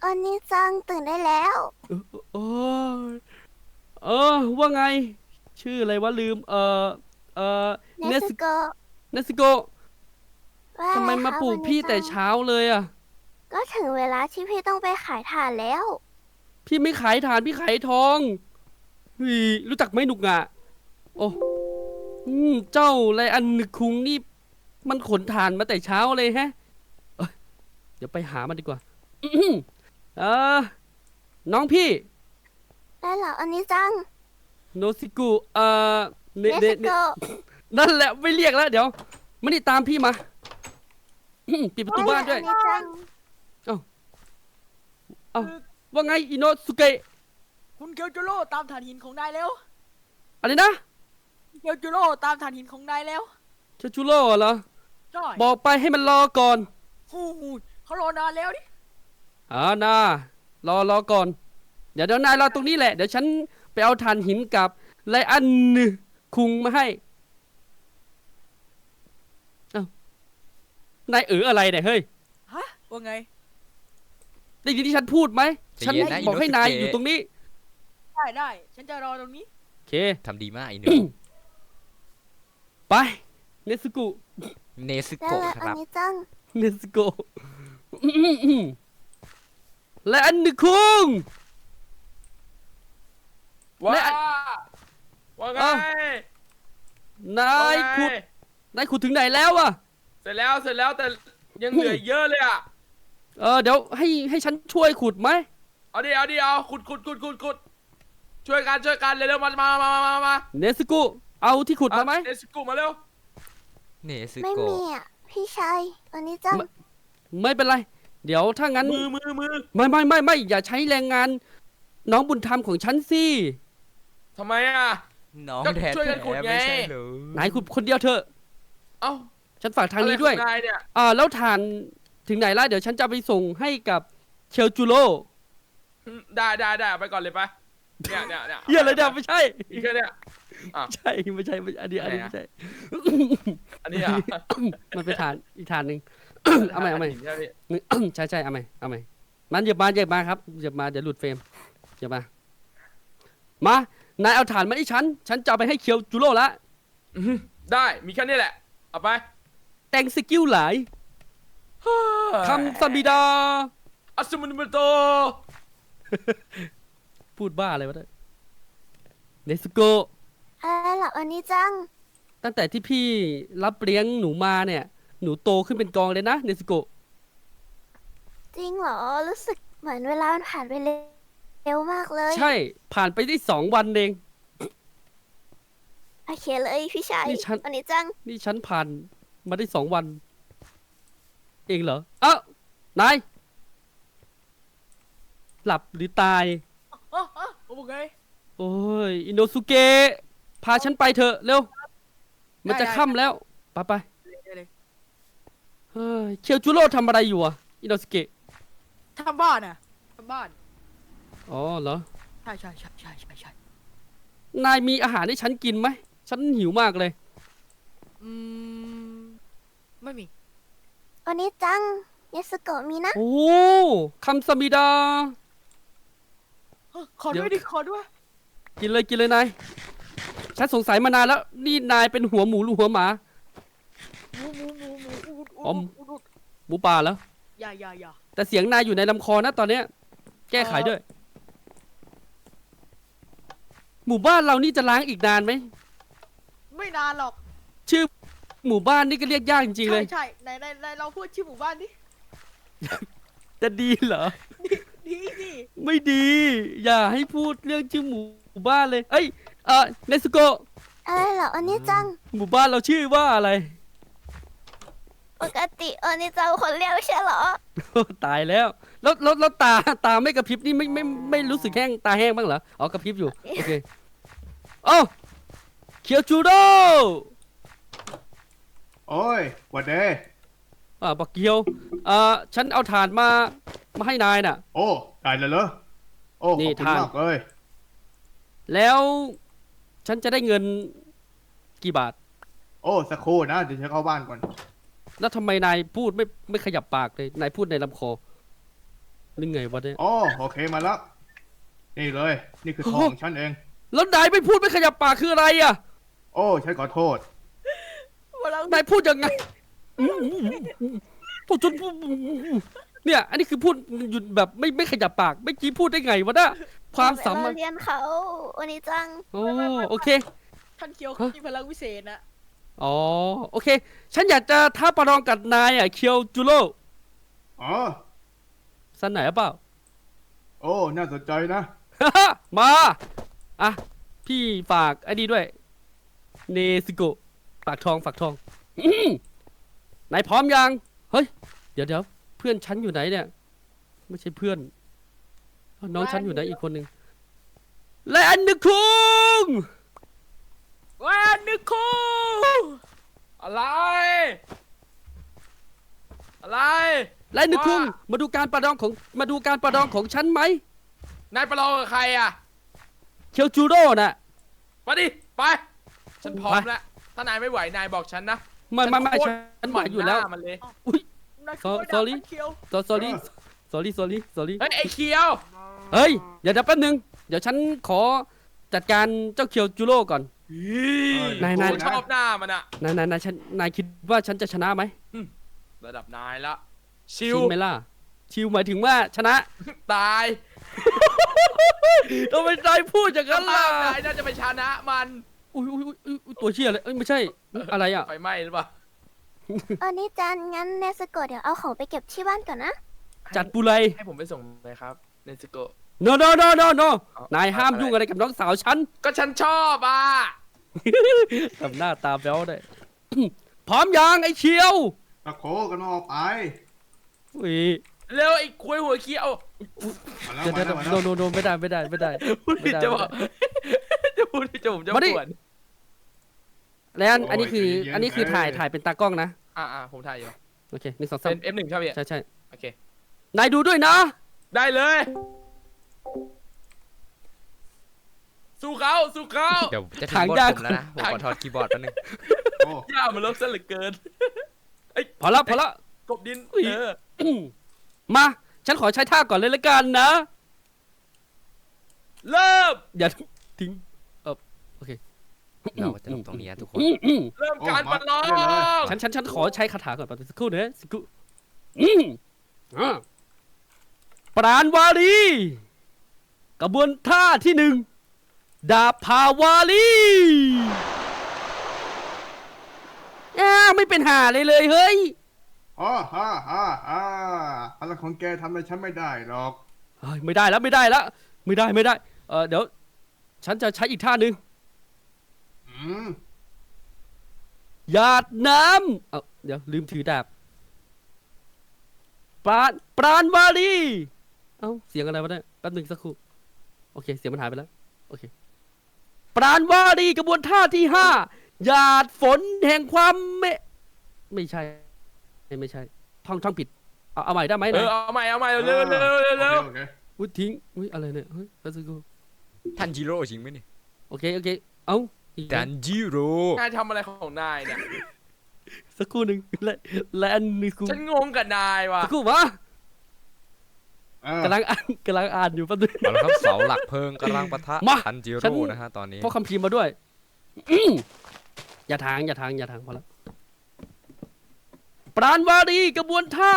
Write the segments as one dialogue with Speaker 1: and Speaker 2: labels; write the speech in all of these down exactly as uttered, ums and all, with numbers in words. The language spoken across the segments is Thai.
Speaker 1: อนนี้จังตื่นได้แล้ว
Speaker 2: เออโอ้ยเออว่าไง ชื่ออะไรวะลืม เออเออ
Speaker 1: เน
Speaker 2: เนส
Speaker 1: สโกะ
Speaker 2: เนสโกะ
Speaker 1: ว่าอะไร
Speaker 2: ทำไมมา
Speaker 1: คะ
Speaker 2: ปลุก
Speaker 1: วันนี้จัง
Speaker 2: พี่แต่เช้าเลยอ่ะ
Speaker 1: ก็ถึงเวลาที่พี่ต้องไปขายถ่านแล้ว
Speaker 2: พี่ไม่ขายถ่านพี่ขายทองเฮ้ยรู้จักไหมหนุกอ่ะโอ้อืมเจ้าไรอันนึกคุงนี่มันขนถ่านมาแต่เช้าเลยแฮะเอ้ยเดี๋ยวไปหามันดีกว่าอื้อหือเออน้องพี่
Speaker 1: ได้เหรออันนี้จัง
Speaker 2: โนซิกุเอ่อเน
Speaker 1: เน
Speaker 2: เนเน
Speaker 1: สโกะ
Speaker 2: นั่นแหละไม่เรียกแล้วเดี๋ยวมานี่ตามพี่มาอื้อปิดประตูบ้านด้วย
Speaker 1: อันนี้จัง
Speaker 2: เอ้าเอ้าว่าไงอิโนสุเกะ
Speaker 3: คุณเกียวจูโร่ตามฐานหินของนายแล้ว
Speaker 2: อะไรนะ
Speaker 3: เกียวจูโร่ตามฐานหินของนายแล้ว
Speaker 2: เชชูโร่เหรอ
Speaker 3: ใช่
Speaker 2: บอกไปให้มันรอก่อน
Speaker 3: ฮู้ฮู้เขารอนานแล้วดิ
Speaker 2: อ่านารอรอก่อน เดี๋ยวเดี๋ยวนายรอตรงนี้แหละ เดี๋ยวฉันไปเอาถ่านหินกับไลอันคุงมาให้ เอ้านายเอออะไรเนี่ยเฮ้ย
Speaker 3: ฮะว่าไง
Speaker 2: ได้ยินที่ฉันพูดไหม
Speaker 4: ใจ
Speaker 2: ฉัน
Speaker 4: เย็นนะ
Speaker 2: บอกให้นาย
Speaker 4: อิโนสุเกะ
Speaker 2: อยู่ตรงนี้
Speaker 3: ได้ได้ฉันจะรอตรงนี้
Speaker 2: โอเค
Speaker 4: ทำดีมากไอ้หนู
Speaker 2: ไป เนสกุ
Speaker 4: เนซึ
Speaker 1: ได้
Speaker 4: โกะ
Speaker 1: แล้ว
Speaker 4: ค
Speaker 1: อัน
Speaker 4: รับ
Speaker 1: นี้จัง
Speaker 2: เนสโกและอันนึคุง
Speaker 5: ว้า
Speaker 2: และ
Speaker 5: ว่าไง
Speaker 2: เอ้า นาย
Speaker 5: ว่าไง
Speaker 2: ขุด นายขุดถึงไหนแล้วอะ
Speaker 5: เสร็จแล้วเสร็จแล้วแต่ยังเหลืออีกเยอะเลยอ่ะ
Speaker 2: เออเดี๋ยวให้ให้ฉันช่วยขุดไหม
Speaker 5: เอาดิเอาดิเอาขุดขุดขุดขุดขุดช่วยกันช่วยกันเร็วๆมามามามามามา
Speaker 2: เนสกุเอาที่ขุดมาไหม
Speaker 5: เอสกูมาเร็ว
Speaker 4: เนซึ
Speaker 1: ไม่
Speaker 4: โกะ
Speaker 1: มีอ่ะพี่ชายอันนี้จัง
Speaker 2: ไม่ ไม่เป็นไร เดี๋ยวถ้างั้น
Speaker 5: มือมือมือ
Speaker 2: ไม่ไม่ไม่ไม่อย่าใช้แรงงาน น้องบุญธรรมของฉันสิ
Speaker 5: ทำไมอ่ะ
Speaker 4: น้อง
Speaker 5: ก็
Speaker 4: แท้
Speaker 5: ช่วยกันขุด
Speaker 4: ๆ
Speaker 5: ไง
Speaker 4: ไม่ใช่เหรอน
Speaker 2: ายขุดคนเดียวเถอะ
Speaker 5: เอ้า
Speaker 2: ฉันฝากทางนี้ด้วย
Speaker 5: อะไรของนายเนี่ย
Speaker 2: อ่าแล้วฐานถึงไหนละเดี๋ยวฉันจะไปส่งให้กับเชลจูโร่
Speaker 5: ได้ได้ได้ไปก่อนเลยไปเนี่ยเนี่ยเนี่ย
Speaker 2: เฮียอะไรเนี่ยไม่ใช่
Speaker 5: อีกแค่เนี่ย
Speaker 2: ไม่ใช่ไม่ใช่ไม่ใช่อันนี้อันนี้ไม่ใช่
Speaker 5: อันนี้อ่ะ
Speaker 2: มันเป็นฐานอีกฐานหนึ่ง เอาใหม่เอาใหม่
Speaker 5: ใช่พี่
Speaker 2: ใช่ใช่เอาใหม่เอาใหม่มันเหยียบมาเหยียบมาครับเหยียบมาเดี๋ยวหลุดเฟรมเหยียบมา มานายเอาฐานมาให้ฉัน ฉันจะเอาไปให้เคียวจูโร่ละ
Speaker 5: อื้อหือได้มีแค่นี้แหละเอาไป
Speaker 2: แต่งสกิลหลายคำสมิดา
Speaker 5: อัศมุนโต
Speaker 2: พูดบ้าอะไรวะเนี่ยเนสโกะ
Speaker 1: อะไรเหรออันนี้จัง
Speaker 2: ตั้งแต่ที่พี่รับเลี้ยงหนูมาเนี่ย หนูโตขึ้นเป็นกองเลยนะเนสโกะ
Speaker 1: จริงเหรอรู้สึกเหมือนเวลามันผ่านไปเร็วมากเลย
Speaker 2: ใช่ผ่านไปได้สองวันเอง
Speaker 1: โอเคเลยพี่ชาย
Speaker 2: นี่ฉัน
Speaker 1: อันนี้จัง
Speaker 2: นี่ฉันผ่านมาได้สองวัน เองเหรอเอ้านายหลับหรือตาย
Speaker 3: อ๋ออ๋อว่าไง
Speaker 2: โอ้ยอินโนสุเกะพาฉันไปเถอะเร็ว มันจะค่ำแล้ว ไปไป
Speaker 3: ได้เลย
Speaker 2: เฮ้ยเคียวจูโร่ทำอะไรอยู่อ่ะอินโนสุเกะ
Speaker 3: ทำบ้านอ่ะทำบ้าน
Speaker 2: อ๋อเหรอ
Speaker 3: ใช่ใช่ใช่ใช่ใช่ใช่
Speaker 2: นายมีอาหารให้ฉันกินไหม ฉันหิวมากเลย
Speaker 3: อืมไม่มี
Speaker 1: อันนี้จังเนสโกะมีนะ
Speaker 2: โอ้คำสมิดา
Speaker 3: เฮ้ยขอ
Speaker 2: เดี๋
Speaker 3: ด้
Speaker 2: ยว
Speaker 3: วยดิขอด้วย
Speaker 2: กินเลยกินเลยนาย ฉันสงสัยมานานแล้ว นี่นายเป็นหัวหมูหรือหัวหมา
Speaker 3: หมูหมูหมูหมูอุด
Speaker 2: อ๋อ
Speaker 3: อุดอุดอุด
Speaker 2: หมูป่าเหรอ
Speaker 3: อย่าอย่าอย่า
Speaker 2: แต่เสียงนายอยู่ในลำคอนะตอนเนี้ย แก้ไขด้วย หมู่บ้านเรานี่จะล้างอีกนานไหม
Speaker 3: ไม่นานหรอก
Speaker 2: ชื่อหมู่บ้านนี่ก็เรียกยากจริงๆเล
Speaker 3: ใช่
Speaker 2: ย
Speaker 3: ใช่ไหนไหนไหนเราพูดชื่อหมู่บ้านดิ
Speaker 2: จะดีเหรอ
Speaker 3: ดีสิ
Speaker 2: ไม่ดี อย่าให้พูดเรื่องชื่อหมู่บ้านเลย เอ้ย เออเนสโกะ
Speaker 1: อะไรเหรออันนี้จัง
Speaker 2: หมู่บ้านเราชื่อว่าอะไร
Speaker 1: ปกติอันนี้จังคนเรียกไม่ใช่เหรอ
Speaker 2: ตายแล้ว แล้วแล้วแล้วตาตาไม่กระพริบนี่ไม่ไม่ไม่รู้สึกแห้งตาแห้งบ้างเหรอ อ๋อกระพริบอยู่ โอเคเอ้าเคียวจูโร่
Speaker 6: โอ้ยหวัดเด
Speaker 2: อ่าบักเกียวอ่าฉันเอาถ่านมา มาให้นายน่ะ
Speaker 6: โอ้ได้แล้วเหรอโอ้
Speaker 2: นี่
Speaker 6: ขอบคุณ
Speaker 2: ทาน
Speaker 6: มากเลย
Speaker 2: แล้วฉันจะได้เงินกี่บาท
Speaker 6: โอ้สักครู่นะเดี๋ยวฉันเข้าบ้านก่อน
Speaker 2: แล้วทำไมนายพูดไม่ไม่ขยับปากเลย นายพูดในลำคอหรือไงวะเนี่ย
Speaker 6: โอ้โอเคมาแล้ว นี่เลย นี่คือทองของฉันเอง
Speaker 2: แล้วนายไม่พูดไม่ขยับปากคืออะไรอ่ะ
Speaker 6: โอ้ฉันขอโทษ
Speaker 3: พลัง
Speaker 2: นายพูดยังไงพูดจนเนี่ย อันนี้คือพูดหยุดแบบไม่ไม่ขยับปากไม่กี้พูดได้ไงวะเนี่ยความสา
Speaker 1: เร
Speaker 2: มารถ
Speaker 1: เรียนเขาวันนี้จัง
Speaker 2: โอ้โอเค
Speaker 3: ท่านเคียว
Speaker 2: ฮะ
Speaker 3: มีพลังวิเศษนะ
Speaker 2: อ๋อโอเค ฉันอยากจะท้าประลองกับนายอ่ะเคียวจูโร่
Speaker 6: อ๋อ
Speaker 2: สันไหนหรือเปล่า
Speaker 6: โอ้ น่าสนใจนะ
Speaker 2: มา อ่ะ พี่ฝากไอ้นี่ด้วย เนซิโกะฝากทองฝากทอง อื้อนายพร้อมยัง เฮ้ย เดี๋ยวเดี๋ยวเพื่อนฉันอยู่ไหนเนี่ย ไม่ใช่เพื่อน น้องฉันอยู่ไหนอีกคนหนึ่งและอันนึกคุง
Speaker 5: แวนนึกคูอะไร อะไร
Speaker 2: และอันนึกคุง มาดูการประลองของ มาดูการประลองของฉันไหม
Speaker 5: นายประลองกับใครอ่ะ
Speaker 2: เคียวจูโร่น่ะ
Speaker 5: มาดิ ไป ฉันพร้อม
Speaker 2: ไป
Speaker 5: แล้ว ถ้านายไม่ไหวนายบอกฉันนะ
Speaker 2: ไม่ไม่ไม่
Speaker 5: โคตร
Speaker 2: ฉันไหวอยู่แล้ว
Speaker 5: หน้ามันเลย
Speaker 2: อุ้ย
Speaker 3: นายคือ
Speaker 2: sorry
Speaker 3: ท่านเคียว
Speaker 2: sorry sorry sorry sorry
Speaker 5: เฮ้ย ไอ้เคียว
Speaker 2: เฮ้ย เดี๋ยวเดี๋ยวแป๊บนึง เดี๋ยวฉันขอจัดการเจ้าเคียวจูโร่ก่อน นายนาย
Speaker 5: กูชอบหน้ามันอะ
Speaker 2: นายนายนายฉันนายคิดว่าฉันจะชนะไหม
Speaker 5: ระดับนายละ ชิว
Speaker 2: ชิวไหมล่ะ ชิวหมายถึงว่าชนะ
Speaker 5: ตาย
Speaker 2: ทำไมนายพูดอย่างนั้นล่ะ
Speaker 5: นายน่าจะไปชนะมัน
Speaker 2: อุ้ยอุ้ยอุ้ยอุ๊ยตัวเชี่ยเลยเอ้ยไม่ใช่ อะไรอ่ะ
Speaker 5: ไฟไหม้หรือเปล่า
Speaker 1: อันนี้จันงั้นเนสโกะเดี๋ยวเอาของไปเก็บที่บ้านก่อนนะ
Speaker 2: จัดปุไร
Speaker 5: ให้ผมไปส่งเลยครับ เนสโกะ
Speaker 2: no no no no no
Speaker 5: เอา
Speaker 2: นายห้าม
Speaker 5: อะไร
Speaker 2: ยุ่งอะไรกับน้องสาวฉัน
Speaker 5: ก็ฉันชอบอ่ะ
Speaker 2: ทำหน้าตาแบ๊วได้ พร้อมยังไอ้เชียว
Speaker 6: ตะโคกันมาออกไป
Speaker 2: อุ้ย
Speaker 5: เร็วไอ้คุยหัวเคียว
Speaker 6: มาแล้ว
Speaker 2: เดี๋ยว
Speaker 6: มา
Speaker 2: เดี๋ยว
Speaker 6: แล้วมา
Speaker 2: โน
Speaker 6: แล้ว
Speaker 2: โนโนไม่ได้ไม่ได้ไม่ได้
Speaker 5: พูด
Speaker 2: ไม่
Speaker 5: ผิด
Speaker 2: ได้
Speaker 5: จะบอก จะพูดผิดจะผมจะ
Speaker 2: มาดิ
Speaker 5: ปวด
Speaker 2: แล้วอันอันนี้คือ อันนี้คือถ่ายถ่ายเป็นตากล้องนะ
Speaker 5: อ่าอ่าผมถ่ายอยู่
Speaker 2: โอเคหนึ่งสองสาม
Speaker 5: เป็น เอฟ หนึ่งใช่ไหมพี่
Speaker 2: ใช่ใช่
Speaker 5: โอเค
Speaker 2: นายดูด้วยนะ
Speaker 5: ได้เลย สู้เขาสู้เขา
Speaker 4: เดี๋ยวจะถึ
Speaker 2: ทาง
Speaker 4: งบท
Speaker 2: ยาก
Speaker 4: ผมแล้วนะผมขอถอดคีย์บอร์ดแป๊บนึง
Speaker 6: โอ้
Speaker 5: ย่ามันลบซะเหลือเกิน
Speaker 2: พอละพอละ
Speaker 5: กบดิน
Speaker 2: อุ๊ย
Speaker 5: เออ
Speaker 2: มา ฉันขอใช้ท่าก่อนเลยละกันนะ
Speaker 5: เริ่ม
Speaker 2: อย่าทิ้งเออโอเค
Speaker 4: เราจะลงตรงนี้นะทุกคน
Speaker 2: อืมอืม
Speaker 5: เริ่มการประลอง
Speaker 2: ฉันฉันฉันขอใช้คาถาก่อนแป๊บนึงสักครู่นะสักครู่อืมอ่าปราณวารีกระบวนท่าที่หนึ่งดาบพาวารีอ้าวไม่เป็นหาเลยเลยเฮ้ย
Speaker 6: อ๋อฮ่าฮ่าฮ่าพลังของแกทำอะไรฉันไม่ได้หรอก
Speaker 2: เฮ้ยไม่ได้แล้วไม่ได้แล้วไม่ได้ไม่ได้เออเดี๋ยว ฉันจะใช้อีกท่าหนึ่ง
Speaker 6: อืม
Speaker 2: หยาดน้ำเอาเดี๋ยวลืมถือดาบปราณปราณวารีเอ้าเสียงอะไรวะเนี่ยแป๊บหนึ่งสักครู่โอเคเสียงมันหายไปแล้วโอเคปราณวารีกระบวนท่าที่ห้าหยาดฝนแห่งความเมไม่ใช่ไม่ไม่ใช่ท่องท่องผิดเอาเอาใหม่ได้ไหม
Speaker 5: เอ
Speaker 2: นะ
Speaker 5: อเอาใหม่เอาใหม่เร็วเร็วเร็วเร็วเร็ว
Speaker 6: โอเค
Speaker 2: อุ้ยทิ้งอุ้ยอะไรเนี่ยเฮ้ยแป๊บสักครู่
Speaker 4: ทันจิโร่จริงไหมเนี่ย
Speaker 2: โอเคโอเคเอ้าอีก
Speaker 4: ทันจิโร่
Speaker 5: นายทำอะไรของนายเนี่ย
Speaker 2: สักครู่หนึ่งและและอันนี้กู
Speaker 5: ฉันงงกับนายว่ะ
Speaker 2: สักครู่วะ
Speaker 6: เออก
Speaker 2: ำลังอ่านกำลังอ่านอยู่แป๊บนึง
Speaker 4: เอาละครับเสาหลักเพลิงกำลังปะทะ
Speaker 2: มา
Speaker 4: ทันจิ
Speaker 2: ฉัน
Speaker 4: โร่นะฮะตอนนี้
Speaker 2: พกคำพิมพ์มาด้วยอื้ออย่าทางอย่าทางอย่าทางพอแล้วปราณวารีกระบวนท่า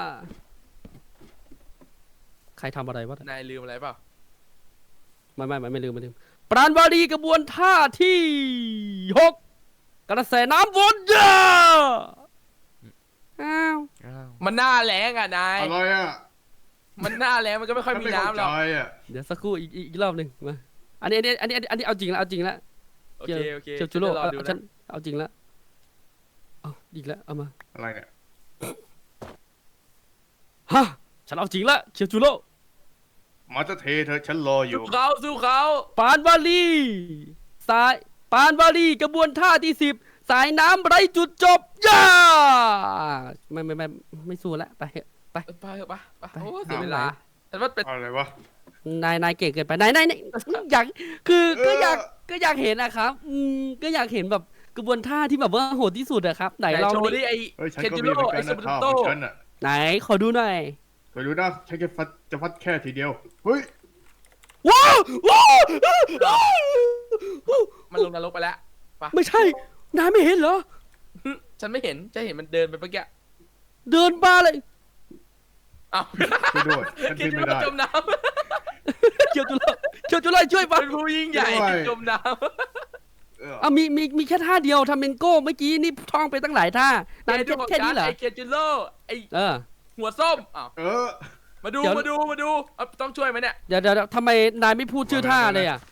Speaker 2: ใครทำอะไรวะ
Speaker 5: นายลืมอะไรเปล่า
Speaker 2: ไม่ไม่ไม่ไม่ลืมไม่ลืมปราณวารีกระบวนท่าที่หกกระแสน้ำวนเยอะอ้าว
Speaker 4: อ้าว
Speaker 5: มันหน้าแรงอ่ะนาย
Speaker 6: อะไรอ่ะ
Speaker 5: มันหน้าแรงมันก็ไม่ค่อย
Speaker 6: ฉัน
Speaker 5: มี
Speaker 6: ไม่เข้า
Speaker 5: น้ำหร
Speaker 6: ใจ
Speaker 5: อก
Speaker 6: อ่ะ
Speaker 2: เดี๋ยวสักครู่อีกอีกอีกรอบหนึ่งมาอันนี้อันนี้อันนี้อันนี้เอาจริงแล้วเอาจริงแล้ว
Speaker 5: โอเคโอเค
Speaker 2: เจียวจูโร่
Speaker 5: จะรอ
Speaker 2: เอา
Speaker 5: ดู
Speaker 2: ฉั
Speaker 5: นะ
Speaker 2: นเอาจริงแล้วเอาอีกแล้วเอามา
Speaker 6: อะไรเนี่ย
Speaker 2: ฮะฉันเอาจริงแล้วเคียวจูโร่
Speaker 6: มาจะเทเธอะฉันรออยู่
Speaker 5: สู้เขาสู้เขา
Speaker 2: ปานวาลีสายปานวาลีกระบวนท่าที่สิบสายน้ำไร้จุดจบย่าไม่ไม่ไม่ไม่สู้แล้วไปเถอะไป
Speaker 5: เออไปเถอะไปไป
Speaker 2: ไป
Speaker 5: โอ้เสีย
Speaker 2: เอา
Speaker 5: เวลาแต่ว่าเป็น
Speaker 6: อะไรวะ
Speaker 2: นายนายเก่งเกินไปนายนายนายอยากคือก็
Speaker 6: เออ
Speaker 2: อยากก็อยากเห็นนะครับอืมก็อยากเห็นแบบกระบวนท่าที่แบบว่าโหดที่สุดอะครับไหน
Speaker 5: ไหน
Speaker 2: ลอง
Speaker 5: โชว์
Speaker 2: ดิ
Speaker 5: ดิไอ
Speaker 6: เฮ้ยฉัน
Speaker 5: เคน
Speaker 6: ก็
Speaker 5: จิ
Speaker 6: มีเหมื
Speaker 5: โร่
Speaker 6: อนกั
Speaker 5: ไอน ซู
Speaker 6: นะ
Speaker 5: เปอ
Speaker 6: ข้าว
Speaker 5: ร์โต
Speaker 6: ของฉันอ่ะ
Speaker 2: ไหนขอดูหน่อย
Speaker 6: ไปดูนะฉันจะฟัดจะฟัดแค่ทีเดียวเฮ้ย
Speaker 2: ว้าวว้าว
Speaker 5: มันลงนรกไปแล้วปะ
Speaker 2: ไม่ใช่นายไม่เห็นเหรอ
Speaker 5: ฉันไม่เห็นจะเห็นมันเดินไปเมื่อกี้
Speaker 2: เดินมาเลย
Speaker 5: อ้าว
Speaker 6: ช่วยด้วยฉัน
Speaker 5: คิ
Speaker 6: ขึ้
Speaker 5: ด
Speaker 6: นไม่
Speaker 5: ว่า
Speaker 6: ได้
Speaker 5: จมน้
Speaker 2: เคียวจุลเคียวจุลช่วย
Speaker 5: ำ
Speaker 2: ปะ
Speaker 5: เป็นผู้ยิ่งใหญ่
Speaker 6: ด้วย
Speaker 5: จมน้
Speaker 6: เออ
Speaker 2: อ่ะมีมีมีแค่ท่าเดียวทำเป็นโก้เมื่อกี้นี่ท่องไปตั้งหลายท่า
Speaker 5: ำ
Speaker 2: นาย
Speaker 5: ไอ้
Speaker 2: แค่
Speaker 5: ของ
Speaker 2: แค่
Speaker 5: ฉั
Speaker 2: นี้เหรอ
Speaker 5: ไอ้เคียจิโร่ไอ้
Speaker 2: เออ
Speaker 5: หัวส้มอ้าว
Speaker 6: เออ
Speaker 5: มาดู
Speaker 2: เดี๋ยว
Speaker 5: มาดูมาดูเอาต้องช่วยไหมเนี่ย
Speaker 2: เดี๋ยวเดี๋ยวเดี๋ยวทำไมนายไม่พูดชื่อท่าเลยอ่ะ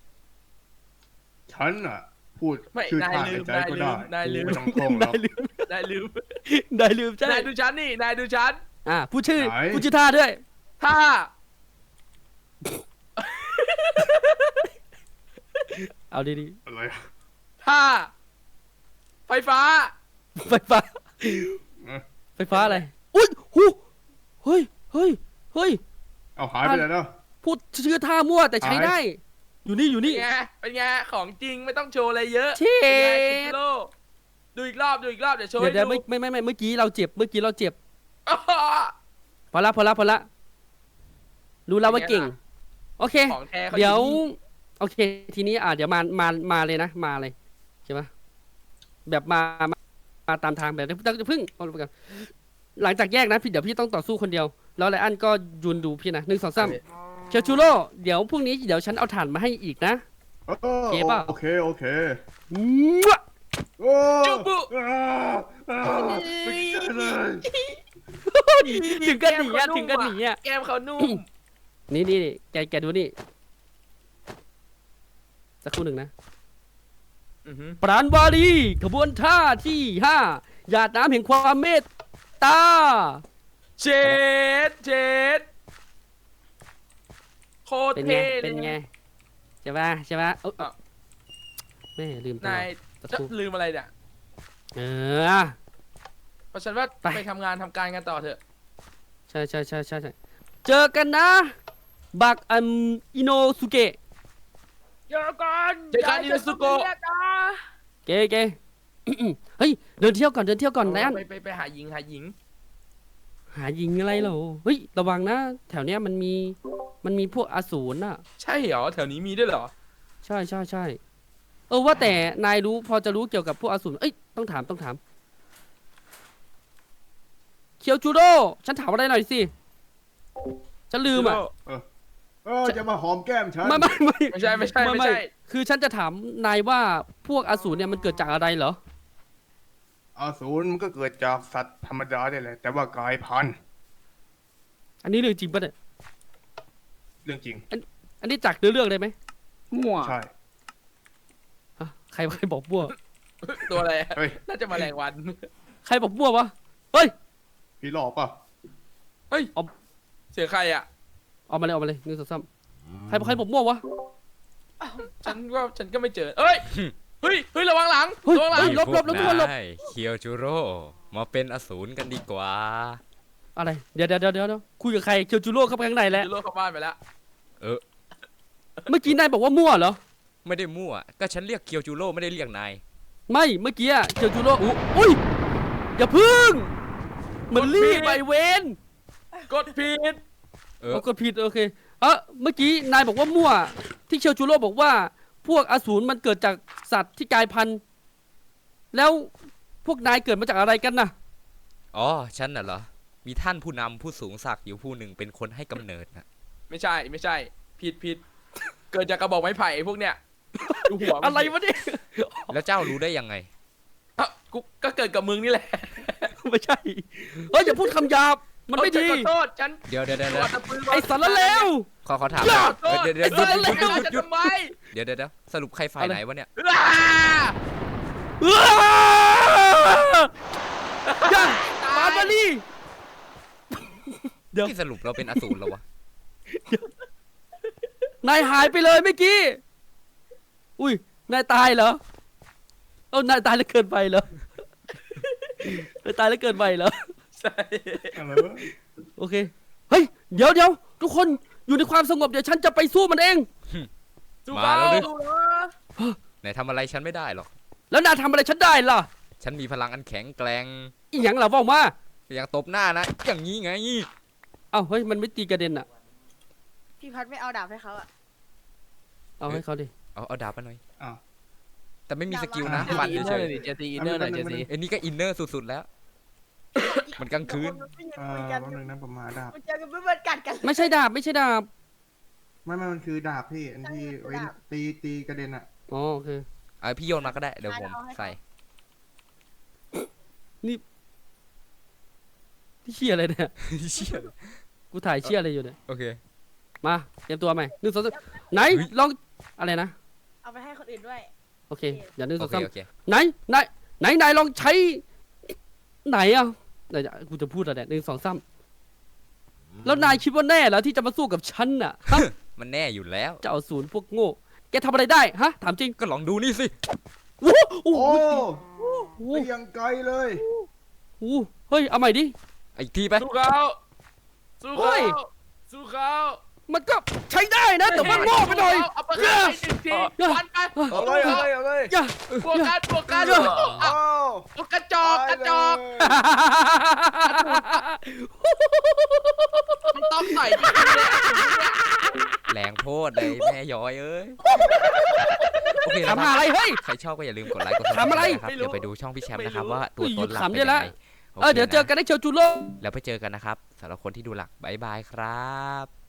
Speaker 6: ฉันอ่ะ พูด
Speaker 5: ไม่
Speaker 6: ชื่อน
Speaker 5: าย
Speaker 6: ท่า
Speaker 5: ลื
Speaker 6: ใน
Speaker 5: ม
Speaker 6: ใจ
Speaker 5: นาย
Speaker 6: ก็
Speaker 5: ลื
Speaker 6: ได้
Speaker 5: มนายลืม
Speaker 6: ไม่ต้องท่องหรอก
Speaker 2: นายลืม
Speaker 5: นายลืม
Speaker 2: นายลืมใช่
Speaker 5: นายดูฉันนี่นายดูฉัน
Speaker 2: อ่ะพูดชื่อ
Speaker 6: ไหน
Speaker 2: พูดชื่อท่าด้วย
Speaker 5: ถ้า
Speaker 2: เอาดี
Speaker 6: อะไรอะ
Speaker 5: ถ้าไฟฟ้า
Speaker 2: ๆไฟฟ้า
Speaker 6: เออ
Speaker 2: ไฟฟ้าอะไรอุ้ยหูเฮ้ยเฮ้ยเฮ้ย
Speaker 6: เอาหายไปไหนแล้ว
Speaker 2: พูดชื่อท่ามั่วแต่ใช้
Speaker 6: หาย
Speaker 2: ได้ อยู่นี่อยู่
Speaker 5: เป็น
Speaker 2: นี่
Speaker 5: ไงเป็นไงของจริงไม่ต้องโชว์อะไรเยอะ
Speaker 2: เช็ด
Speaker 5: เป็นไงคิจิโร่ดูอีกรอบดูอีกรอบเดี๋ยวโชว์
Speaker 2: เดี๋ยว
Speaker 5: ให้
Speaker 2: เดี๋ยว
Speaker 5: ดู
Speaker 2: ไม่ไม่ไม่ไม่เมื่อกี้เราเจ็บเมื่อกี้เราเจ็บ
Speaker 5: อ้อ
Speaker 2: พอละพอละพอละรู้แล้วว่า
Speaker 5: เป็นไง
Speaker 2: เก่ง
Speaker 5: ล่ะ
Speaker 2: โอเค
Speaker 5: ของแท้เขา
Speaker 2: เดี๋ยว
Speaker 5: อนี่
Speaker 2: โอเค ทีนี้อ่ะเดี๋ยวมามามาเลยนะมาเลยใช่ไหมแบบมามามาตามทางแบบนี้ต้องพึ่งเอาไปก่อนหลังจากแยกนะพี่เดี๋ยวพี่ต้องต่อสู้คนเดียว แล้วไลอันก็ยืนดูพี่นะหนึ่งสองสามเคียวชูโร่เดี๋ยวพรุ่งนี้เดี๋ยวฉันเอาถ่านมาให้อีกนะ
Speaker 6: เออ
Speaker 2: โอเคเปล่า
Speaker 6: โอเคโอเค
Speaker 2: มั่ว
Speaker 6: โอ้
Speaker 5: จุบุ
Speaker 6: อ่าอ่าไม่ใช่เลย
Speaker 2: ถึงกันหนีอ่ะถึงกันหนีอ่ะ
Speaker 5: แก้มเขานุ่ม
Speaker 2: นี่นี่นี่แกแกดูนี่สักครู่หนึ่งนะ
Speaker 5: อื้อหือ
Speaker 2: ปราณวารีขบวนท่าที่ห้าหยาดน้ำแห่งความเมตตา
Speaker 5: เจ็ดเจ็ดโคตร
Speaker 2: เป็นไง
Speaker 5: เท่เลย
Speaker 2: เป็นไงใช่ป่ะใช่ป่ะเอ้า
Speaker 5: อ้าว
Speaker 2: แม่ลืมตล
Speaker 5: นา
Speaker 2: อด
Speaker 5: ย
Speaker 2: สัก
Speaker 5: จะ
Speaker 2: ครู่
Speaker 5: ลืมอะไรเนี่ย
Speaker 2: เออ
Speaker 5: เพราะฉันว่า
Speaker 2: ไป
Speaker 5: ไปทำงานทำการกันต่อเถอะ
Speaker 2: ใช่ใช่ใช่ใช่ใช่เจอกันนะ บักอันอิโนสุเกะ
Speaker 3: เจอกัน
Speaker 5: เจอกันอินาซุโกะ
Speaker 2: เกเก เฮ้ยเดินเที่ยวก่อนเดินเที่ยวก่อนไลอัน
Speaker 5: ไปไปไปหาหญิงหาหญิง
Speaker 2: หายิงอะไรเหรอเฮ้ยระวังนะ แถวเนี้ยมันมีมันมีพวกอสูรน่ะ
Speaker 5: ใช่เหรอแถวนี้มีด้วยเหรอ
Speaker 2: ใช่ใช่ใช่เออว่าแต่นายรู้พอจะรู้เกี่ยวกับพวกอสูรเอ้ยต้องถามต้องถามเคียวจูโร่ฉันถามอะไรหน่อยสิฉันลืมอ่ะ
Speaker 6: เออจะมาหอมแก้มฉัน
Speaker 2: ไม่ไม่ไม่
Speaker 5: ไม่ใช่ไม่ใช่ไม่ใช่
Speaker 2: คือฉันจะถามนายว่าพวกอสูรเนี่ยมันเกิดจากอะไรเหรอ
Speaker 6: อสูรมันก็เกิดจากสัตว์ธรรมดาได้แหละแต่ว่ากลายพันธุ์
Speaker 2: อันนี้เรื่องจริงปะเนี่ย
Speaker 6: เรื่องจริง
Speaker 2: อันนี้จากเนื้อเรื่องเลยไหม
Speaker 3: มั่ว
Speaker 6: ใช่
Speaker 2: ฮะใครใครบอกมั่ว
Speaker 5: ตัวอะไรอะ
Speaker 6: เฮ้ย
Speaker 5: น่าจะแมลงวัน
Speaker 2: ใครบอกมั่ววะเฮ้ย
Speaker 6: พี่หลอกป่ะ
Speaker 5: เฮ้ย
Speaker 2: เอา
Speaker 5: เสียงใครอ่ะ
Speaker 2: ออกมาเลยออกมาเลยหนึ่งสองสามใครบอกใครบอกมั่ววะ
Speaker 5: ฉันว่าฉันก็ไม่เจอเอ้ยเฮ้ยเฮ้ยระวังหลัง
Speaker 2: เฮ้ย
Speaker 5: ระวังหลัง
Speaker 2: เฮ้ย ลบลบลบทุกคนลบ
Speaker 4: พวกายเคียวจูโร่มาเป็นอสูรกันดีกว่า
Speaker 2: อะไรเดี๋ยวเดี๋ยวเดี๋ยวเดี๋ยวคุยกับใครเคียวจูโร่เข้าไปข้างในแล้ว
Speaker 5: ยูโรเข้าบ้านไปแล้ว
Speaker 4: เออ
Speaker 2: เมื่อกี้นายบอกว่ามั่วเหรอ
Speaker 4: ไม่ได้มั่ว ก็ฉันเรียกเคียวจูโร่ไม่ได้เรียกนาย
Speaker 2: ไม่เมื่อกี้อะเคียวจูโร่อุ๊ยอุ้ยอย่าพึ่งมันรีบไปเวน
Speaker 5: กดผิด
Speaker 4: เออ
Speaker 2: เอากดผิดโอเคเออเมื่อกี้นายบอกว่ามั่ว ที่เคียวจูโร่บอกว่า พวกอสูรมันเกิดจากสัตว์ที่กลายพันธุ์แล้วพวกนายเกิดมาจากอะไรกันน่ะ
Speaker 4: อ๋อ ฉันน่ะเหรอ มีท่านผู้นำผู้สูงศักดิ์อยู่ผู้หนึ่งเป็นคนให้กำเนิดนะ
Speaker 5: ไม่ใช่ไม่ใช่ ผิดผิดเกิดจากกระบอกไม้ไผ่พวกเนี้ยดูหัวมัน
Speaker 2: อะไรวะเนี่ย
Speaker 4: แล้วเจ้ารู้ได้ยังไง
Speaker 5: อ่ะกูก็เกิดกับมึงนี่แหละ
Speaker 2: ไม่ใช่เฮ้ยอย่าพูดคำหยาบมันไม่
Speaker 5: เอ้ย
Speaker 2: ดี
Speaker 5: ฉันขอโทษฉัน
Speaker 4: เดี๋ยวเดี๋ยวเดี๋ยว
Speaker 5: ข
Speaker 4: เดี๋ยว
Speaker 5: อตะปืน
Speaker 2: ไอ้สารเลว
Speaker 4: ขอขอถาม
Speaker 2: อย่า
Speaker 5: ขอโทษ
Speaker 4: เดี๋ยวเดี๋ยว
Speaker 5: ไอ้
Speaker 4: เดี๋ยว
Speaker 5: สาร
Speaker 4: หยุด
Speaker 5: เล
Speaker 4: หยุดหยุดหยุด
Speaker 5: วจะทำไม
Speaker 4: เดี๋ยวเดี๋ยวเดี๋ยวสรุปใครฝ่ายไหนวะเนี่ย
Speaker 5: อ้า
Speaker 2: อย่ามาบาลีเดี๋ยว
Speaker 4: ที่สรุปเราเป็นอสูรแล้ววะ
Speaker 2: นายหายไปเลยเมื่อกี้อุ้ยนายตายเหรอเอ้านายตายแล้วเกินไปเหรอนายตายแล้วเกินไปเหรอ
Speaker 5: ใช่
Speaker 6: อะไรวะ
Speaker 2: โอเคเฮ้ยเดี๋ยวเดี๋ยวทุกคนอยู่ในความสงบเดี๋ยวฉันจะไปสู้มันเอง
Speaker 5: สู้
Speaker 4: มา
Speaker 5: เขา
Speaker 4: แล้วดิ
Speaker 5: สู้เขา
Speaker 4: ไหนทำอะไรฉันไม่ได้หรอก
Speaker 2: แล้วนายทำอะไรฉันได้ล่ะ
Speaker 4: ฉันมีพลังอันแข็งแกร่ง
Speaker 2: อีหยังล่ะว่ามา
Speaker 4: อย่างตบหน้านะ อย่างนี้ไง
Speaker 2: อ้าวเฮ้ยมันไม่ตีกระเด็นอ่ะ
Speaker 7: พี่พัดไม่เอาดาบให้เขาอะ
Speaker 2: เอาให้เขาดิ
Speaker 4: เอาเอาดาบมาหน่อย
Speaker 6: อ้าว
Speaker 4: แต่ไม่มีสกิลนะ
Speaker 5: เจ
Speaker 4: ฟัน
Speaker 5: ตีอินเน
Speaker 4: เฉ
Speaker 5: อร์
Speaker 4: ย
Speaker 5: เลยดิเจตีอินเนอร์หน่อยเจตี
Speaker 4: ๆไอ้นี่ก็อินเนอร์สุดๆแล้ว มันกลางคืน
Speaker 6: เออแป๊บนึงนะผมหาดาบ
Speaker 7: มันเจอกันเพื่อนกัดกัน
Speaker 2: ไม่ใช่ดาบไม่ใช่ดาบ
Speaker 6: ไม่ไม่มันคือดาบพี่อันที่ไว้ตีตีกระเด็นอะ
Speaker 2: อ๋อโอเค
Speaker 4: เอาพี่โยนมาก็ได้ เดี๋ยวผมใส่
Speaker 2: นี่เชี่ยอะไรเนี่ย
Speaker 4: เชี่ย
Speaker 2: กูถ่ายเชี่ยอะไรอยู่เนี่ย
Speaker 4: โอเค
Speaker 2: มาเตรียมตัวใหม่หนึ่งสองสามไหน
Speaker 4: เฮ้ย
Speaker 2: ลองอะไรนะ
Speaker 7: เอาไปให้คนอื่นด้วย
Speaker 2: โอเคอย่าหนึ่งส
Speaker 4: โอ
Speaker 2: อง
Speaker 4: เค
Speaker 2: สาม
Speaker 4: โอเค
Speaker 2: ไหนไหนไหนไหนลองใช้ไหนอ่ะไหนกูจะพูดอะไรเนี่ยหนึ่งสองสามแล้วนายคิดว่าแน่เหรอที่จะมาสู้กับฉันน่ะฮะ
Speaker 4: มันแน่อยู่แล้ว
Speaker 2: เจ้าศูนย์พวกโง่แกทำอะไรได้ฮะถามจริง
Speaker 4: ก็ลองดูนี่สิ
Speaker 2: โอ้โหโอ้
Speaker 6: โอ้
Speaker 2: โหโอ้
Speaker 6: ไปยังไกลเลย
Speaker 2: โหเฮ้ยเอาใหม่ดิ
Speaker 4: อีกทีไป
Speaker 5: สู้เขาสู้
Speaker 2: เฮ้
Speaker 5: เขา
Speaker 2: ย
Speaker 5: สู้เขา
Speaker 2: มันก็ใช้ได้นะแต่มันโง่ไปหน่อย
Speaker 5: เอาไปให้หนึ่งทีฟันไป
Speaker 6: เอาเลยเอาเลยเอาเลย
Speaker 2: อย่า
Speaker 5: บวกกันบวกกัน
Speaker 2: เดี๋ยว
Speaker 5: เอา
Speaker 6: โอ้
Speaker 5: เอากระจอกกระจอกมันต้องใส่จริงๆเลย
Speaker 4: แรงโพดเลยแม่ย้อยเอ้ย โอเคนะ
Speaker 2: ทำ
Speaker 4: ค
Speaker 2: อะไร
Speaker 4: รับ
Speaker 2: เฮ้ย
Speaker 4: ใครชอบก็อย่าลืมกดไลค์กดซับส
Speaker 2: ทำอะไร
Speaker 4: ไครต์นะครับ เดี๋ยวไปดูช่องพี่แชมป์นะครับว่าตัว
Speaker 2: อุ้ย
Speaker 4: ตนหลัก
Speaker 2: ขำ
Speaker 4: เป็น
Speaker 2: ได้
Speaker 4: ยัง
Speaker 2: ละ
Speaker 4: ไง
Speaker 2: เออเดี๋ยวเจอกันในเชลจูโร่
Speaker 4: แล้วไปเจอกันนะครับสำหรับคนที่ดูหลักบายบายครับ